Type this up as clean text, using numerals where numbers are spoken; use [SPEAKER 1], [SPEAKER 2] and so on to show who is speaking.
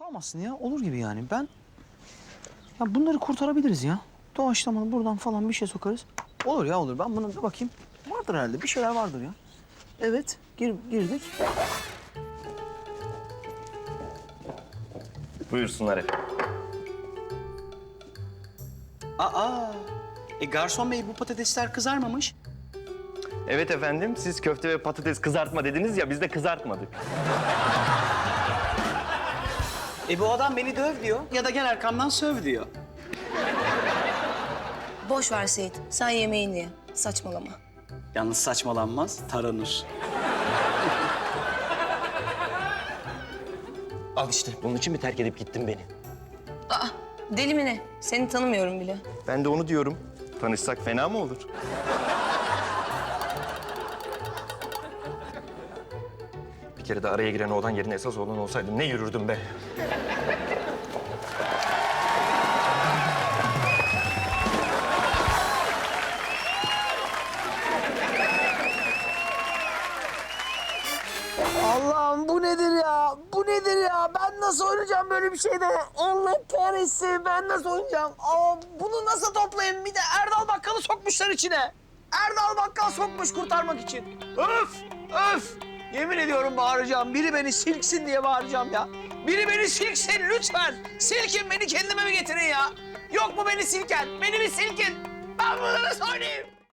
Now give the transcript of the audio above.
[SPEAKER 1] olmasın ya. Olur gibi yani. Ya bunları kurtarabiliriz ya. Doğaçlamalı buradan falan bir şey sokarız. Olur ya olur. Ben buna bir bakayım. Vardır herhalde. Bir şeyler vardır ya. Evet. Girdik.
[SPEAKER 2] Buyursunlar efendim.
[SPEAKER 1] Aa. Garson bey bu patatesler kızarmamış.
[SPEAKER 2] Evet efendim, siz köfte ve patates kızartma dediniz ya, biz de kızartmadık.
[SPEAKER 1] Bu adam beni döv diyor ya da gel arkamdan söv diyor.
[SPEAKER 3] Boş ver Seyit. Sen yemeğini ye. Saçmalama.
[SPEAKER 1] Yalnız saçmalanmaz, taranır.
[SPEAKER 2] Al işte, bunun için mi terk edip gittin beni?
[SPEAKER 3] Aa, deli mi ne? Seni tanımıyorum bile.
[SPEAKER 2] Ben de onu diyorum. Tanışsak fena mı olur? Bir kere de araya giren oğlan yerine esas oğlan olsaydım ne yürürdüm be?
[SPEAKER 1] Allah'ım bu nedir ya? Bu nedir ya? Ben nasıl oynayacağım böyle bir şeyde? Allah kahretsin ben nasıl oynayacağım? Bunu nasıl toplayayım? Bir de Erdal Bakkal'ı sokmuşlar içine. Erdal Bakkal sokmuş kurtarmak için. Öf! Öf! Yemin ediyorum bağıracağım. Biri beni silksin diye bağıracağım ya. Biri beni silksin lütfen. Silkin beni kendime mi getirin ya? Yok mu beni silken? Beni bir silkin. Ben bunu nasıl oynayayım?